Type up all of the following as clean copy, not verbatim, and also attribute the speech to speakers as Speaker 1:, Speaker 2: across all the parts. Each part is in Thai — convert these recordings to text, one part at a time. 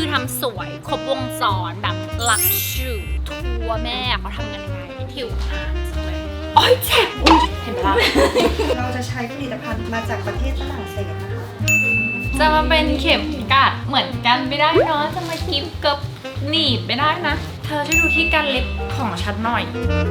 Speaker 1: คือทำสวยครบวงจรแบบลักชูทัวแม่เขาทำกันยังไงผิวนานจังเลยโอ๊ยเจ็บเห็นไหมล่ะ
Speaker 2: เราจะใช้ผลิตภัณฑ์มาจากประเทศฝรั่งเศสนะคะ
Speaker 1: จะมาเป็นเข็มกัดเหมือนกันไม่ได้เนาะจะมากิฟกับหนีบไม่ได้นะเธอช่วยดูที่การเล็บของฉันหน่อย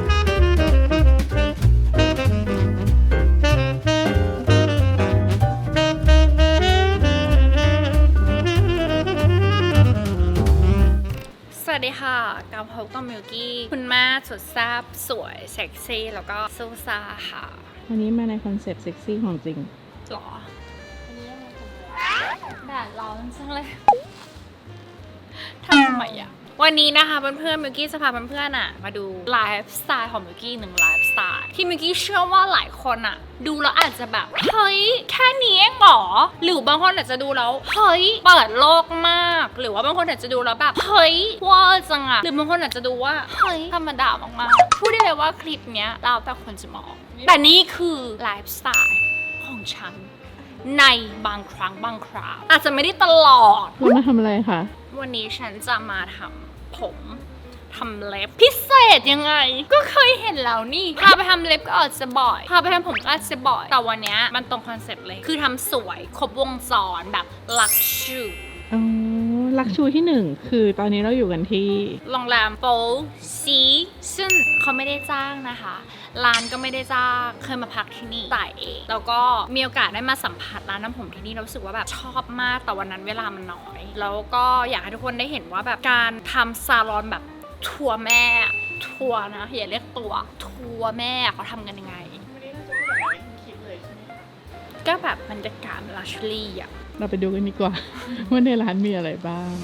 Speaker 1: สวัสดีค่ะกาวพบกับมิวกี้คุณแม่สุดแซ่บสวยเซ็กซี่แล้วก็ซูซ่าค่ะ
Speaker 3: วันนี้มาในคอนเซปต์เซ็กซี่ของจริง
Speaker 1: หรออันนี้ยังไงแดดร้อนจังเลยทำไมอ่ะวันนี้นะคะเพื่อนๆมิวกี้จะพาเพื่อนๆอ่ะมาดูไลฟ์สไตล์ของมิวกี้หนึ่งไลฟ์สไตล์ที่มิวกี้เชื่อว่าหลายคนอ่ะดูแล้วอาจจะแบบเฮ้ยแค่นี้เองเหรอหรือบางคนอาจจะดูแล้วเฮ้ยเปิดโลกมากหรือว่าบางคนอาจจะดูแล้วแบบเฮ้ยว้าวจังอะหรือบางคนอาจจะดูว่าเฮ้ยธรรมดามากๆพูดได้เลยว่าคลิปเนี้ยเราแต่คนจะมองแต่นี่คือไลฟ์สไตล์ของฉันในบางครั้งบางคราวอาจจะไม่ได้ตลอด
Speaker 3: เรามาทำอะไรคะ
Speaker 1: วันนี้ฉันจะมาทำผมทำเล็บพิเศษยังไงก็เคยเห็นแล้วนี่พาไปทำเล็บก็อาจจะบ่อยพาไปทำผมก็อาจจะบ่อยแต่วันนี้มันตรงคอนเซ็ปต์เลยคือทำสวยครบวงจรแบบลักชู
Speaker 3: อ๋อ ลักชูที่หนึ่งคือตอนนี้เราอยู่กันที่
Speaker 1: โรงแรมโปซีซึ่งเขาไม่ได้จ้างนะคะร้านก็ไม่ได้จ้างเคยมาพักที่นี่จ่ายเองแล้วก็มีโอกาสได้มาสัมผัสร้านน้ำผมที่นี่เรารู้สึกว่าแบบชอบมากแต่วันนั้นเวลามันน้อยแล้วก็อยากให้ทุกคนได้เห็นว่าแบบการทำซาลอนแบบทัวร์แม่ทัวร์นะอย่าเรียกตัวทัวร์แม่เขาทำกันยังไงก็แบบบรรยากาศลักชัวรี่อะ
Speaker 3: เราไปดูกันดีกว่า ว่าในร้านมีอะไรบ้าง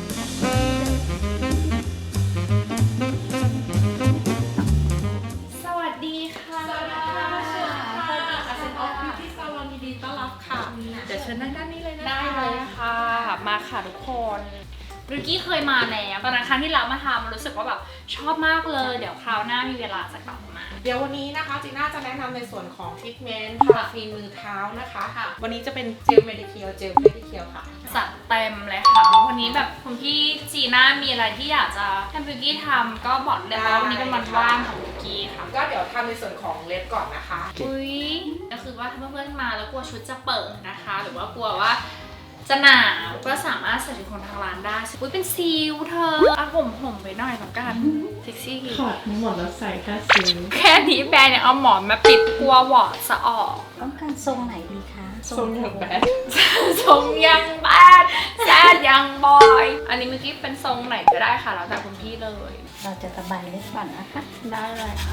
Speaker 1: สวัสดีค่ะ
Speaker 4: สวัสดีค่ะเซ็นออฟบิวตี้ซาลอนยินดีต้อนรับค่ะ เดี๋ยวเชิญนั่งด้านนี้เลยนะคะ
Speaker 1: ได้เลยค่ะ มาค่ะทุกคนริกกี้เคยมาแล้วตอนนั้นครั้งที่เรามาทำรู้สึกว่าแบบชอบมากเลย เดี๋ยวคราวหน้ามีเวลาจะกลับมา
Speaker 4: เดี๋ยววันนี้นะคะจีน่าจะแนะนำในส่วนของทรีทเมนต์พาราฟีนมือเท้านะคะ
Speaker 1: ค่ะ
Speaker 4: วันนี้จะเป็นเจลเมดิเคียวเจลเมดิเคียวค่ะ
Speaker 1: จัดเต็มเลยค่ะ วันนี้แบบคุณพี่จีน่ามีอะไรที่อยากจะให้ริกกี้ทำก็บอกเลยว่าวันนี้เป็นวันว่างของริกกี้ค่ะ
Speaker 4: ก็เดี๋ยวทำในส่วนของเล็บก่อนนะคะ
Speaker 1: อุ้ยก็คือว่าถ้าเพื่อนๆมาแล้วกลัวชุดจะเปิดนะคะ หรือว่ากลัวว่าจะหนาวก็สามารถใส่ชุดของทางร้านได้อุ้ยเป็นซีลเธอเอาห่มไปหน่อยแล้วกันเซ็กซี่
Speaker 3: ถอดทั้งหมดแล้วใส่แค่ซิล
Speaker 1: แค่นี้แบรนด์เนี่ยเอาหมอนมาปิดกลัวหวอดจะออก
Speaker 2: ต้องการทรงไหนดีคะ
Speaker 4: ทรงอย่างแบด
Speaker 1: ทรงยังแบดแซดยังบอย อันนี้เมื่อกี้เป็นทรงไหนก็ได้ค่ะแล้วแต่คุณพี่เลย
Speaker 2: เราจะตะไบเล็บก่อนนะคะ
Speaker 1: ได้เลยค่ะ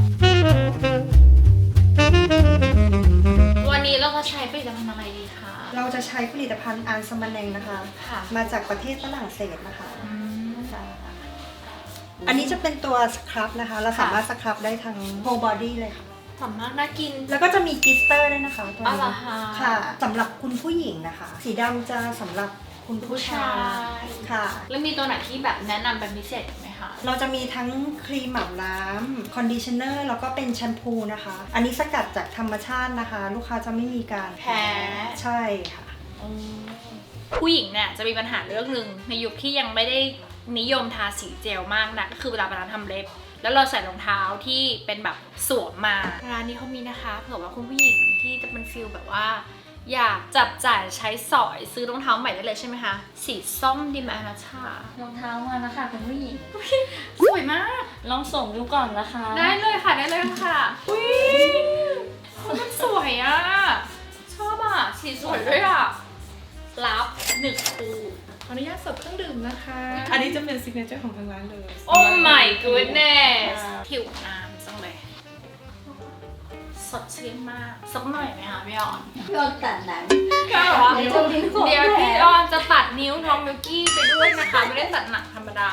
Speaker 1: วันนี้เราจะใช้ผลิตภัณฑ์อะไรดีคะ
Speaker 2: เราจะใช้ผลิตภัณฑ์อันสมันเนงนะคะ
Speaker 1: ค่ะ
Speaker 2: มาจากประเทศฝรั่งเศสนะคะ
Speaker 1: อืม
Speaker 2: อันนี้จะเป็นตัวสครับนะคะ เราสามารถสครับได้ทั้ง whole body เลยค่ะ
Speaker 1: สามารถน่ากิน
Speaker 2: แล้วก็จะมีกลิสเตอร์ด้วยนะคะตัว
Speaker 1: อ๋อ
Speaker 2: นี้
Speaker 1: เหรอคะ
Speaker 2: ค่ะสำหรับคุณผู้หญิงนะคะ สีดำจะสำหรับคุณผู้ชายค่ะ
Speaker 1: แล้วมีตัวไหนที่แบบแนะนำเป็นพิเศษไหมคะ
Speaker 2: เราจะมีทั้งครีมอาบน้ำคอนดิชเนอร์แล้วก็เป็นแชมพูนะคะ อันนี้สกัดจากธรรมชาตินะคะ ลูกค้าจะไม่มีการ
Speaker 1: แพ้
Speaker 2: ใช่ค่ะ
Speaker 1: ผู้หญิงเนี่ยจะมีปัญหาเรื่องหนึ่งในยุคที่ยังไม่ได้นิยมทาสีเจลมากนะก็คือเวลาไปร้านทำเล็บ แล้วเราใส่รองเท้าที่เป็นแบบสวมมาร้านนี้เขามีนะคะเผื่อว่าคุณผู้หญิงที่จะเป็นฟิลแบบว่า อยากจับจ่ายใช้สอยซื้อรองเท้าใหม่ได้เลยใช่ไหมคะสีส้มดีไหมนะชาร
Speaker 5: องเท้ามาแล้วค่ะคุณผู้หญิง
Speaker 1: สวยมาก
Speaker 5: ลองส่งดูก่อนนะคะ
Speaker 1: ได้เลยค่ะได้เลยค่ะอุ้ยมันสวยอ่ะชอบอ่ะสีสวยด้วยอ่ะรับ1 คู่
Speaker 4: ขออนุญาตเสิร์ฟเครื่องดื่มนะคะ อันนี้จะเป็นซิกเนเจอร์ของทางร้านเลย
Speaker 1: โอ้ my goodness ผิวน้ำจังเลยสดชื่นมากสักหน่อยไหมคะพี่ออน
Speaker 5: โดนตัดหนัง
Speaker 1: ก็แบบว่า
Speaker 5: เดี๋ยวจะทิ้งของ
Speaker 1: เดี๋ยว
Speaker 5: แผล
Speaker 1: พี่ออนจะตัดนิ้วน้องมิวกี้ไปด้วยนะคะ ไม่ได้ตัดหนังธรรมดา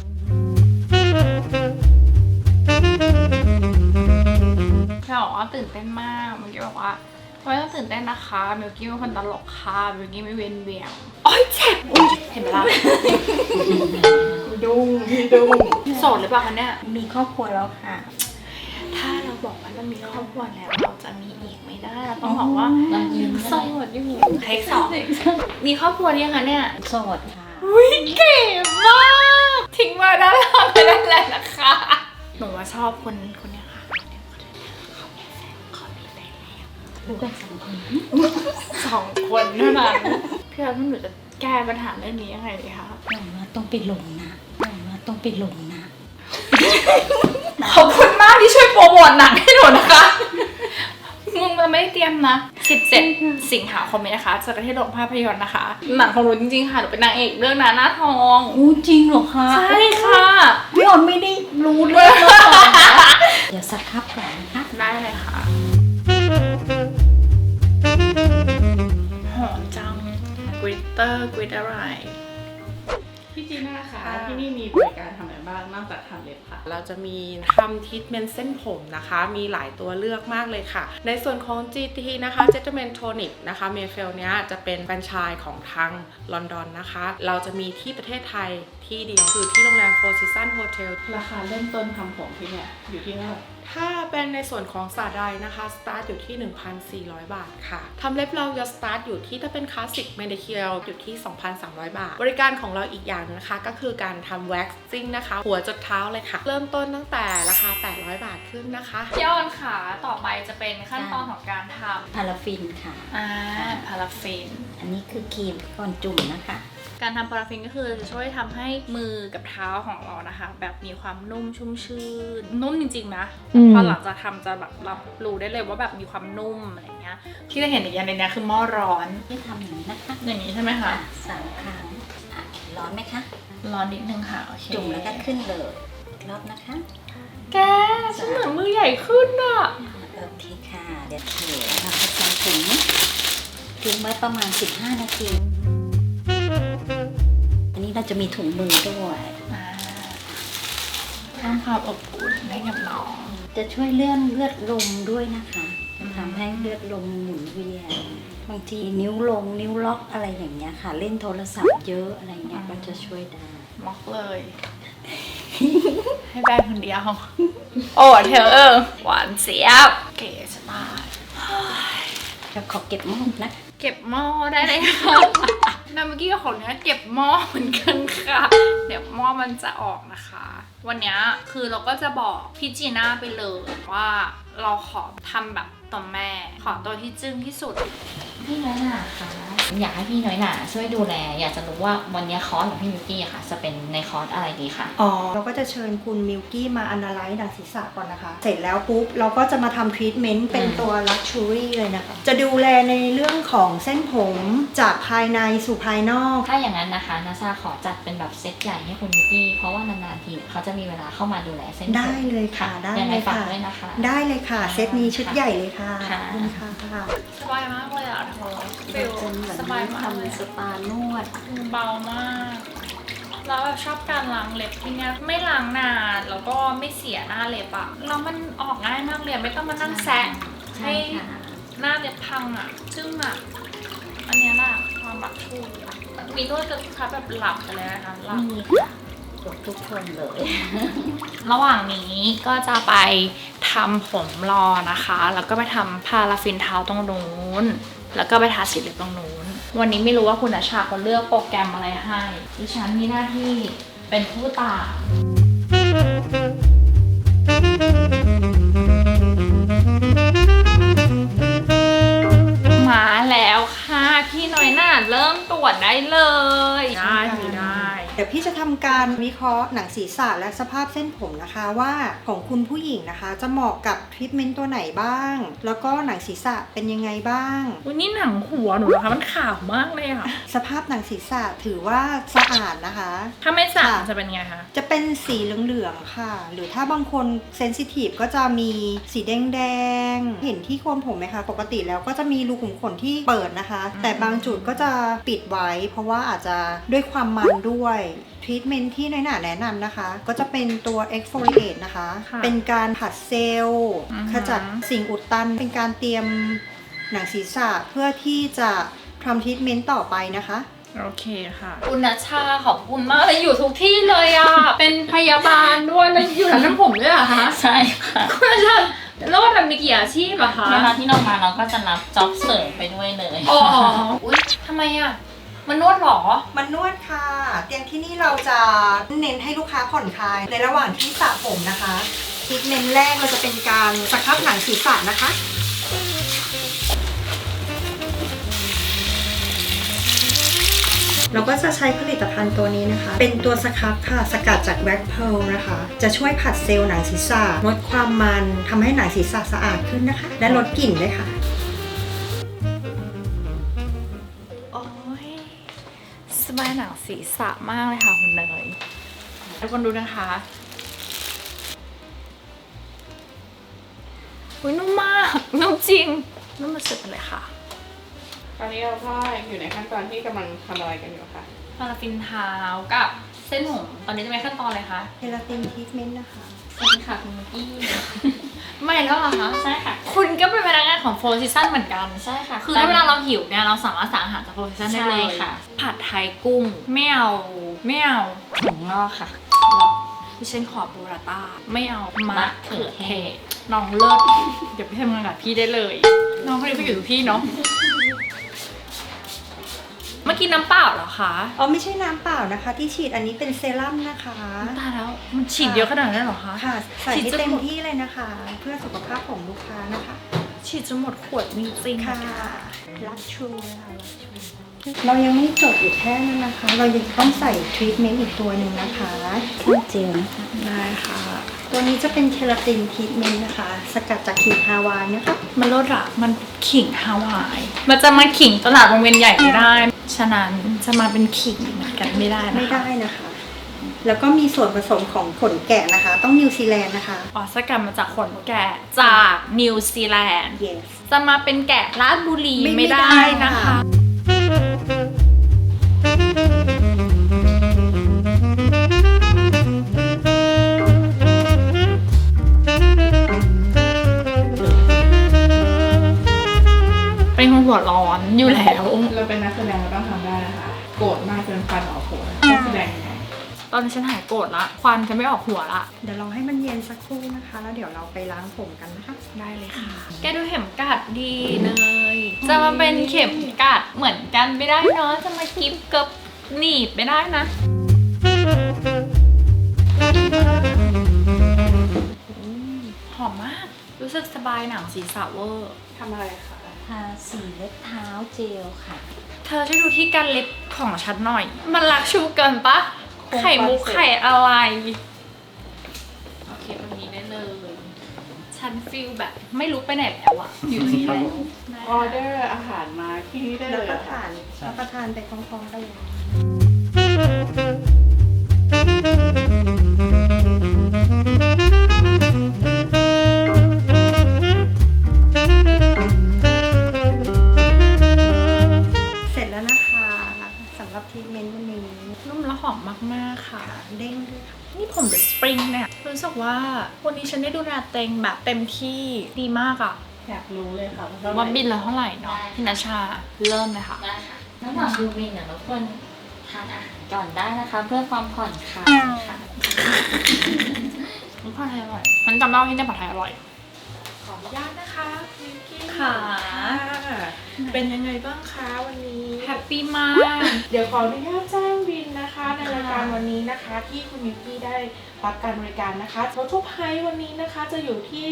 Speaker 1: พี่บอกว่าตื่นเต้นมากมิวกี้บอกว่าไม่ต้องตื่นเต้นนะคะมิวกี้เป็นคนตลกค่ะมิวกี้ไม่เวียนเวียงโอ๊ยเจ็บอุ๊ยเห็นไหมล่ะ
Speaker 4: ดุ้งพี่ดุ้ง
Speaker 1: โสดหรือเปล่าคะเนี่ย
Speaker 2: มีครอบครัวแล้วค่ะ
Speaker 1: ถ้าเราบอกว่าเรามีครอบครัวแล้วเราจะมีอีกไม่ได้เราต้องบอกว่า
Speaker 5: เรายืน
Speaker 1: โสดอยู่เทคสองมีครอบครัวหรือยังคะเนี่ย
Speaker 5: โสดค่ะ
Speaker 1: อุ้ยเก๋มากทิ้งมาด้านล่างไปนั่นแหละนะคะหนูว่าชอบคนเนี้ยค่ะเขามีแฟนแล้ว
Speaker 5: ดูกัน2 คน
Speaker 1: 2 คนเท่านั้นพี่อาร์ตหนูจะแก้ปัญหาเรื่องนี้ยังไงดีคะ
Speaker 5: หนูว่าต้องไปลงนะหนูว่าต้องไปลงนะ
Speaker 1: ขอบคุณมากที่ช่วยโปรโมทหนังให้หนูนะคะมึงมันไม่ได้เตรียมนะ17 สิงหาคมนี้นะคะจะไปที่โรงภาพยนตร์นะคะหนังของหนูจริงๆค่ะหนูเป็นนางเอกเรื่องหน้าทอง
Speaker 5: อู้จริงเหรอคะ
Speaker 1: ใช่ค่ะ
Speaker 5: พี่ออนไม่ได้รู้เรื่องมาก่อนนะเดี๋ยวสักครับก่อนนะคะ
Speaker 1: ได้เลยค่ะหอมจังกริตเตอร์กริตอะไร
Speaker 3: พี่จีน่าค่ะที่นี่มีบริการทำอะไรบ้างนอกจากทำเล็บค่ะ
Speaker 4: เราจะมีทำทรีทเมนต์เส้นผมนะคะ มีหลายตัวเลือกมากเลยค่ะ ในส่วนของ GT นะคะ Gentleman Tonic นะคะเมเฟลเนี้ยจะเป็นแฟรนไชส์ของทางลอนดอนนะคะ เราจะมีที่ประเทศไทยที่เดียวคือที่โรงแรม Four Seasons Hotel
Speaker 3: ราคาเริ่มต้นทำผมที่เนี่ยอยู่ที่เท่าไหร่
Speaker 4: ถ้าเป็นในส่วนของสาดายนะคะ สตาร์ทอยู่ที่ 1,400 บาทค่ะ ทำเล็บเราจะสตาร์ทอยู่ที่ถ้าเป็นคลาสสิกแมนิเคียร์อยู่ที่ 2,300 บาท บริการของเราอีกอย่างนึงนะคะ ก็คือการทำแว็กซิ่งนะคะ หัวจดเท้าเลยค่ะ เริ่มต้นตั้งแต่ราคา 800 บาทขึ้นนะคะ
Speaker 1: พี่ออนค่ะต่อไปจะเป็นขั้นตอนของการท
Speaker 5: พาราฟินค่ะ
Speaker 1: ำพาราฟิน
Speaker 5: อันนี้คือครีมก่อนจุ่มนะคะ
Speaker 1: การทำพาราฟินก็คือจะช่วยทำให้มือกับเท้าของเรานะคะ แบบมีความนุ่มชุ่มชื่นนุ่มจริงๆนะ
Speaker 3: อืม
Speaker 1: พอหลังจากทำจะแบบรับรู้ได้เลยว่าแบบมีความนุ่มอะไรเงี้ยที่จะเห็นอีกอย่างในนี้คือหม้อร้อน
Speaker 5: ที่ทำอย่างนี้นะคะ
Speaker 1: อย่างนี้ใช่ไหมคะ
Speaker 5: 3 ครั้งอ่ะร้อนไหมคะ
Speaker 1: ร้อนนิดนึงค่ะโอเค
Speaker 5: จุ่มแล้วก็ขึ้นเลยอีกรอบนะคะ
Speaker 1: แกฉันเหมือนมือใหญ่ขึ้นอะ
Speaker 5: โอเคค่ะ เดี๋ยวเทเราจะใส่ถุงทิ้งไว้ประมาณ 15 นาที อันนี้เราจะมีถุงมือด้วย
Speaker 1: สร้างความอบอุ่นให้กับน้อง
Speaker 5: จะช่วยเลื่อนเลือดลมด้วยนะคะจะทำให้เลือดลมหมุนเวียน บางทีนิ้วลงนิ้วล็อกอะไรอย่างเงี้ยค่ะ เล่นโทรศัพท์เยอะอะไรเงี้ยก็จะช่วยได้
Speaker 1: ม็อกเลย ให้แบงคนเดียว โอ้เธอหวานเสียบเก๋สบาย
Speaker 5: จะขอเก็บหม้อนะ
Speaker 1: เก็บหม้อได้เลยค่ะนาเมื่อกี้ของเนี้ยเก็บหม้อเหมือนกันค่ะ เดี๋ยวหม้อมันจะออกนะคะ วันเนี้ยคือเราก็จะบอกพี่จีน่าไปเลยว่าเราขอทำแบบตัวแม่ ขอตัวที่จึ้งที่สุด
Speaker 6: พี่น้อยหนาค่ะอยากให้พี่น้อยหนาช่วยดูแล อยากจะรู้ว่าวันนี้คอร์สของพี่มิวกี้อะค่ะ จะเป็นในคอร์สอะไรดีคะ
Speaker 2: อ๋อ เราก็จะเชิญคุณมิลกี้มา analyze หนังศีรษะก่อนนะคะ เสร็จแล้วปุ๊บ เราก็จะมาทำทรีทเมนต์เป็นตัว luxury เลยนะคะ จะดูแลในเรื่องของเส้นผมจากภายในสู่ภายนอก
Speaker 6: ถ้าอย่างนั้นนะคะนาซาขอจัดเป็นแบบเซตใหญ่ให้คุณมิวกี้เพราะว่านานๆทีเนี่ยเขาจะมีเวลาเข้ามาดูแลเส้นผม
Speaker 2: ได้เลยค่ะ ได้
Speaker 6: ยังไง
Speaker 2: เลย
Speaker 6: ฝาก
Speaker 2: ค่ะ
Speaker 6: ด้วยนะคะ
Speaker 2: ได้เลยค่ะ เซตนี้ชุดใหญ่เลยค่ะ
Speaker 6: ค่ะ
Speaker 2: ขอบคุณค่ะ
Speaker 1: สบายมากเลยอ่ะเธอฟิล
Speaker 5: จะเหมือน
Speaker 1: สบายมากเลย
Speaker 5: ทำสปานวด
Speaker 1: เบามากแล้วแบบชอบการล้างเล็บที่เนี้ยไม่ล้างนานแล้วก็ไม่เสียหน้าเล็บอะแล้วมันออกง่ายมากเลยไม่ต้องมานั่งแซะ
Speaker 5: ใช่ค่ะ
Speaker 1: หน้าเล็บพังอะซึ่งอะอันเนี้ยแหละความแบบชูมีนวดจนลูกค้าแบบหลับไปเลยนะคะหลับ
Speaker 5: นี่ค่ะกดทุกคนเลย
Speaker 1: ระหว่างนี้ก็จะไปทำผมรอนะคะ แล้วก็ไปทำพาราฟินเท้าตรงนู้น แล้วก็ไปทาสีเล็บตรงนู้น วันนี้ไม่รู้ว่าคุณอาชาเขาเลือกโปรแกรมอะไรให้ดิฉันมีหน้าที่เป็นผู้ตามมาแล้วค่ะพี่น้อยหน่าเริ่มตรวจได้เลยได้ได้
Speaker 2: เดี๋ยวพี่จะทำการวิเคราะห์หนังศีรษะและสภาพเส้นผมนะคะว่าของคุณผู้หญิงนะคะ จะเหมาะกับทรีทเมนต์ตัวไหนบ้าง แล้วก็หนังศีรษะเป็นยังไงบ้าง
Speaker 1: วันนี้หนังหัวหนูนะคะมันขาวมากเลยอะ
Speaker 2: สภาพหนังศีรษะถือว่าสะอาดนะคะ
Speaker 1: ถ้าไม่สระ
Speaker 2: ค่ะ
Speaker 1: จะเป็นไงคะ
Speaker 2: จะเป็นสีเหลืองๆค่ะ หรือถ้าบางคนเซนซิทีฟก็จะมีสีแดงๆ เห็นที่โคนผมไหมคะ ปกติแล้วก็จะมีรูขุมขนที่เปิดนะคะ แต่บางจุดก็จะปิดไว้ เพราะว่าอาจจะด้วยความมันด้วยทรีทเมนต์ที่น้อยหนาแนะนำนะคะ ก็จะเป็นตัว exfoliate นะคะ
Speaker 1: ค่ะ
Speaker 2: เป็นการผัดเซลล์
Speaker 1: อือฮึ
Speaker 2: ขจัดสิ่งอุดตัน เป็นการเตรียมหนังศีรษะเพื่อที่จะทำทรีทเมนต์ต่อไปนะคะ
Speaker 1: โอเคค่ะคุณนัชชาขอบคุณมากเลยอยู่ทุกที่เลยอ่ะ เป็นพยาบาลด้วยแล้วอยู่ร้านทำผมด้วยเหรอคะ
Speaker 6: ใช่ค่ะ
Speaker 1: คุณนัชชาแล้วว่าทำมีกี่อาชีพอะคะ
Speaker 6: เวลาที่เรามาเราก็จะรับจ็อบเสริมไปด้วยเลย
Speaker 1: อ๋อ อุ๊ยทำไมอะมันนวดเหรอ
Speaker 2: มันนวดค่ะ เตียงที่นี่เราจะเน้นให้ลูกค้าผ่อนคลายในระหว่างที่สระผมนะคะทรีทเมนต์แรกเราจะเป็นการสครับหนังศีรษะนะคะเราก็จะใช้ผลิตภัณฑ์ตัวนี้นะคะ เป็นตัวสครับค่ะ สกัดจากแว็กเพลนะคะ จะช่วยผัดเซลล์หนังศีรษะลดความมันทำให้หนังศีรษะสะอาดขึ้นนะคะ และลดกลิ่นด้วยค่ะ
Speaker 1: โอ้ยสบายหนังศีรษะมากเลยค่ะคุณเนยทุกคนดูนะคะอุ้ยนุ่มมากนุ่มจริงนุ่มมาสุดเลยค่ะ
Speaker 3: ตอนนี้เราก็อยู่ในขั้นตอนที่กำลังทำอะไรกันอยู่ค่ะ
Speaker 1: พาราฟินเท้ากับเส้นผมตอนนี้จะเป็นขั้นตอนอะไรคะ
Speaker 2: เคราตินทรีทเมนต์นะคะ
Speaker 6: สวัสดีค่ะคุณมิกกี้
Speaker 1: ไม่แล้วเหรอคะ
Speaker 6: ใช่ค่ะ
Speaker 1: คุณก็เป็นพนักงานของโฟร์ซีซั่นเหมือนกัน
Speaker 6: ใช่ค่ะ
Speaker 1: คือถ้าเวลาเราหิวเนี่ยเราสามารถสั่งอาหารจากโฟร์ซีซั่นได้เลย
Speaker 6: ใช่ค่ะ
Speaker 1: ผัดไทยกุ้งไม่เอา
Speaker 6: ถุงงอกค่ะ
Speaker 1: ดิฉันขอบูราต้าไม่เอามะ
Speaker 6: มะเขื
Speaker 1: เขือ
Speaker 6: อ
Speaker 1: เท
Speaker 6: เท
Speaker 1: ศ
Speaker 6: ศ
Speaker 1: น้องเลิศเดี๋ยวไปทำงานกับพี่ได้เลย น้องคนนี้ไปอยู่กับพี่เนาะเมื่อกี้น้ำเปล่าเหรอคะ
Speaker 2: อ๋อไม่ใช่น้ำเปล่านะคะ ที่ฉีดอันนี้เป็นเซรั่มนะคะ
Speaker 1: ตายแล้วมันฉีดเยอะขนาดนั้นเหรอคะ
Speaker 2: ค่ะ ใส่
Speaker 1: ฉีด
Speaker 2: ให้
Speaker 1: จน
Speaker 2: เต็ม
Speaker 1: หมด
Speaker 2: ที่เลยนะคะ เพื่อสุขภาพของลูกค้านะคะ
Speaker 1: ฉีดจนหมดขวดจริงๆ
Speaker 2: ค่ะ
Speaker 1: ค่ะ
Speaker 2: รักชูนะคะรักชูเรายังไม่จบอยู่แค่นั้นนะคะ เรายังต้องใส่ทรีทเมนต์อีกตัวหนึ่งนะคะ
Speaker 5: เครื่องเจลนะคะ
Speaker 2: ได้ค่ะ ตัวนี้จะเป็นเคราตินทรีทเมนต์นะคะ สกัดจากขิงฮาวายนะคะ
Speaker 1: มันลดอะมันขิงฮาวาย มันจะมาขิงตลาดวงเวียนใหญ่ไม่ได้ ฉะนั้นจะมาเป็นขิงเหมือนกันไม่ได้นะคะ
Speaker 2: ไม่ได้นะคะ แล้วก็มีส่วนผสมของขนแกะนะคะ ต้องนิวซีแลนด์นะคะ
Speaker 1: อ๋อสกัดมาจากขนแกะจากนิวซีแลนด์
Speaker 2: yes
Speaker 1: จะมาเป็นแกะราชบุรี
Speaker 2: ไม่
Speaker 1: ไม่ได้
Speaker 2: ได้
Speaker 1: นะคะ
Speaker 2: ค่ะ
Speaker 1: เป็นคนหัวร้อนอยู่แล้ว
Speaker 3: เราเป็นนักแสดงเราต้องทำได้นะคะ โกรธมากจนฟันออกหัวต้องแสดงยังไง
Speaker 1: ตอนนี้ฉันหายโกรธละควันจะไม่ออกหัวละ
Speaker 2: เดี๋ยวเราให้มันเย็นสักครู่นะคะ แล้วเดี๋ยวเราไปล้างผมกันนะคะ
Speaker 1: ได้เลยค่ะ แกดูเข็มกัดดีเลย จะมาเป็นเข็มกัดเหมือนกันไม่ได้เนาะ จะมากิ๊บเกับหนีบไม่ได้นะ หอมมาก รู้สึกสบายหนังศีรษะเวอร์
Speaker 3: ทำอะไรคะ
Speaker 5: ทาสีเล็บเท้าเจลค่ะ
Speaker 1: เธอช่วยดูที่การเล็บของฉันหน่อย มันรักชูเกินปะ ไข่มุกไข่อะไร โอเคตรงนี้ได้เลย ฉันฟีลแบบไม่ลุกไปไหนแล้วอะอยู่ตรงนี้แล้ว
Speaker 3: ออเดอร์อาหารมาที่นี่ได้เล
Speaker 2: รับ
Speaker 3: ย
Speaker 2: ประ
Speaker 3: ค่ะ
Speaker 2: ทานไปพร้อมๆกันเลย เสร็จแล้วนะคะสำหรับทรีทเมนต์วันนี้
Speaker 1: นุ่มและหอมมากๆค่ะ
Speaker 2: เด้งด้วยค่ะ
Speaker 1: นี่ผมเดอะสปริงเนี่ยรู้สึกว่าวันนี้ฉันได้ดูแลเต็งแบบเต็มที่ดีมากอะ
Speaker 3: อยากรู้เลยค่ะ
Speaker 1: ว่าบินละเท่าไหร่เนาะพี่นาชาเริ่มเลยค่ะ
Speaker 6: ได้ค่ะระหว่างดูบินเนี่ยเราควรทานอาหารก่อนได้นะคะ เพื่อความผ่อนคลายค่ะ
Speaker 1: ผัดไทยอร่อยมันจำได้ว่าที่นี่ผัดไทยอร่อย
Speaker 4: ขออนุญาตนะคะมิกกี้
Speaker 1: ค่ะ
Speaker 4: เป็นยังไงบ้างคะวันนี้
Speaker 1: แฮปปี้มาก
Speaker 4: เดี๋ยวขออนุญาตแจ้งบินนะคะ ในรายการวันนี้นะคะ ที่คุณมิกกี้ได้รับการบริการนะคะรถทุกไฮวันนี้นะคะจะอยู่ที่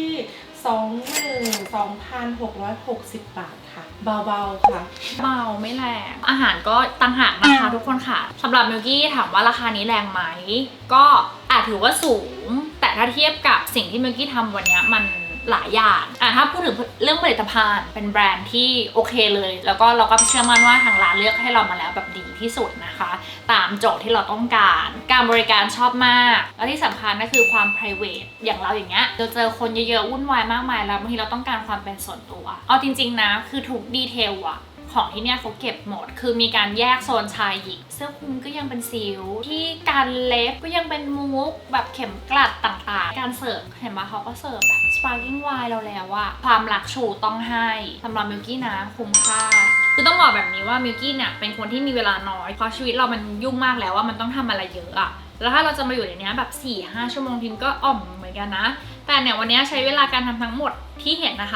Speaker 4: 22,660 บาทค่ะ เบาๆค่ะ
Speaker 1: เบาไม่แรงอาหารก็ต่างหากนะคะทุกคนค่ะสำหรับมิลกี้ถามว่าราคานี้แรงไหมก็อาจถือว่าสูง แต่ถ้าเทียบกับสิ่งที่มิลกี้ทำวันเนี้ยมันหลายอย่างถ้าพูดถึงเรื่องผลิตภัณฑ์เป็นแบรนด์ที่โอเคเลยแล้วก็เราก็เชื่อมั่นว่าทางร้านเลือกให้เรามาแล้วแบบดีที่สุดนะคะ ตามโจทย์ที่เราต้องการการบริการชอบมากและที่สำคัญก็คือความ private อย่างเราอย่างเงี้ยเราเจอคนเยอะๆวุ่นวายมากมายแล้วบางทีเราต้องการความเป็นส่วนตัวเอาจริงๆนะคือทุกดีเทลอะของที่เนี่ยเขาเก็บหมดคือมีการแยกโซนชายหญิงเสื้อคลุมก็ยังเป็นซิลที่การเล็บก็ยังเป็นมุกแบบเข็มกลัดต่างๆการเสิร์ฟเห็นไหมเขาก็เสิร์ฟแบบ sparkling wine เราแล้วอะความรักชูต้องให้สำหรับมิลกี้นะคุ้มค่าคือต้องบอกแบบนี้ว่ามิลกี้เนี่ยเป็นคนที่มีเวลาน้อยเพราะชีวิตเรามันยุ่งมากแล้วว่ามันต้องทำอะไรเยอะอะแล้วถ้าเราจะมาอยู่ในนี้แบบ 4-5 ชั่วโมงทิ้งก็อ่อมเหมือนกันนะแต่เนี่ยวันนี้ใช้เวลาการทำทั้งหมดที่เห็นนะคะ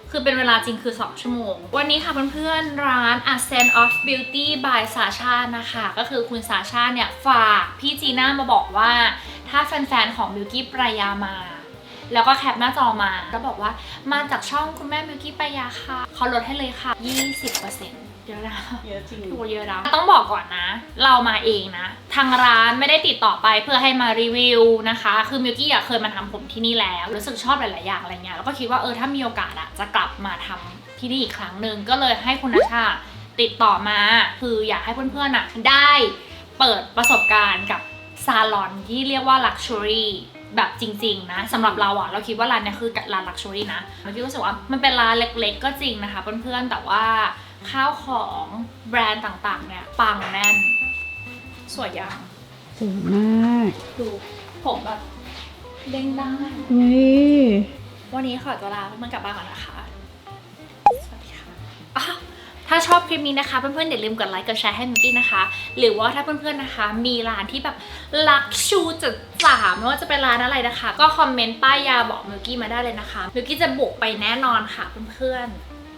Speaker 1: คือเป็นเวลาจริงคือ2 ชั่วโมงวันนี้ค่ะเพื่อนๆร้าน Ascent of Beauty by Sasha นะคะก็คือคุณซาชาเนี่ยฝากพี่จีน่ามาบอกว่าถ้าแฟนๆของมิวกี้ปรายามาแล้วก็แคปหน้าจอมาแล้วบอกว่ามาจากช่องคุณแม่มิวกี้ปรายาค่ะเขาลดให้เลยค่ะ 20%เยอะนะ
Speaker 3: เยอะจริง
Speaker 1: ถูกเยอะนะต้องบอกก่อนนะเรามาเองนะทางร้านไม่ได้ติดต่อไปเพื่อให้มารีวิวนะคะคือมิวกี้เคยมาทำผมที่นี่แล้วรู้สึกชอบหลายๆอย่างอะไรเงี้ยแล้วก็คิดว่าถ้ามีโอกาสจะกลับมาทำที่นี่อีกครั้งหนึ่งก็เลยให้คุณนัชชาติดต่อมาคืออยากให้เพื่อนๆได้เปิดประสบการณ์กับซาลอนที่เรียกว่า Luxury แบบจริงๆนะสำหรับเราเราคิดว่าร้านนี้คือร้าน Luxury นะเราคิดรู้สึกว่ามันเป็นร้านเล็กๆก็จริงนะคะเพื่อนๆแต่ว่าข้าวของแบรนด์ต่างๆเนี่ยปังแน่นสวยยัง
Speaker 3: สวยมาก
Speaker 1: ดูผมแบบเด้งได้
Speaker 3: เฮ้ย
Speaker 1: วันนี้ขอตัวลาเพื่อนๆกลับบ้านก่อนนะคะ สวัสดีค่ะอ้าวถ้าชอบคลิปนี้นะคะเพื่อนๆอย่าลืมกดไลค์กดแชร์ให้มิวกี้นะคะ หรือว่าถ้าเพื่อนๆนะคะมีร้านที่แบบลักชูจัดจ้านไม่ว่าจะเป็นร้านอะไรนะคะ ก็คอมเมนต์ป้ายยาบอกมิวกี้มาได้เลยนะคะมิวกี้จะบุกไปแน่นอนค่ะเพื่อนๆ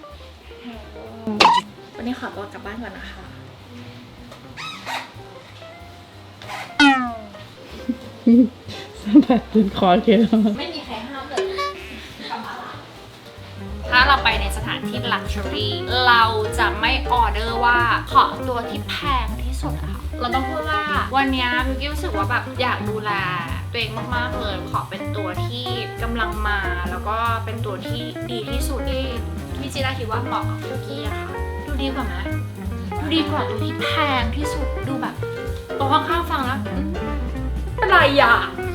Speaker 1: วันนี้ขอตัวกลับบ้านก่อนนะคะ
Speaker 3: สะบัดจนคอเขียว
Speaker 1: ไม่มีใครห้ามเลยถ้าเราไปในสถานที่ Luxury เราจะไม่ออเดอร์ว่าขอตัวที่แพงที่สุดอะค่ะเราต้องพูดว่าวันนี้มิวกี้รู้สึกว่าแบบอยากดูแลตัวเองมากๆเลยขอเป็นตัวที่กำลังมาแล้วก็เป็นตัวที่ดีที่สุดที่พี่จีน่าคิดว่าเหมาะกับมิวกี้อะค่ะดูดีกว่าไหมดูดีกว่าตัวที่แพงที่สุดดูแบบตัวข้างๆฟังแล้วอะไรอะ